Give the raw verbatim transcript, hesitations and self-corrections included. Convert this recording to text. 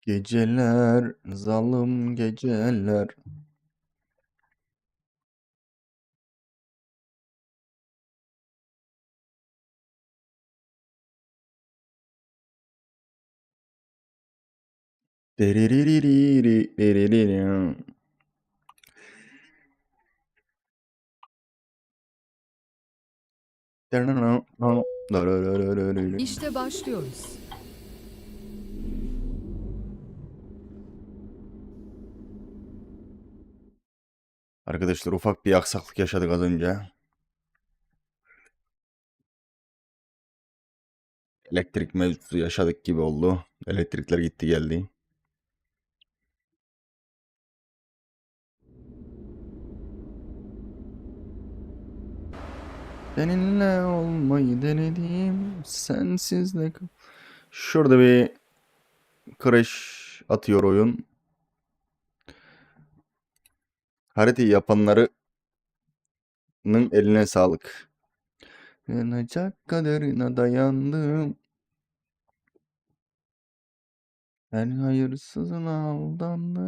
Geceler, zalim geceler. Deriririri, deriririm. İşte başlıyoruz. Arkadaşlar ufak bir aksaklık yaşadık az önce. Elektrik mevzusu yaşadık gibi oldu. Elektrikler gitti geldi. Seninle olmayı denedim. Sensiz de kal- Şurada bir crash atıyor oyun. Haritayı yapanların eline sağlık. Yanacak kaderine dayandım. Her hayırsızına aldandım.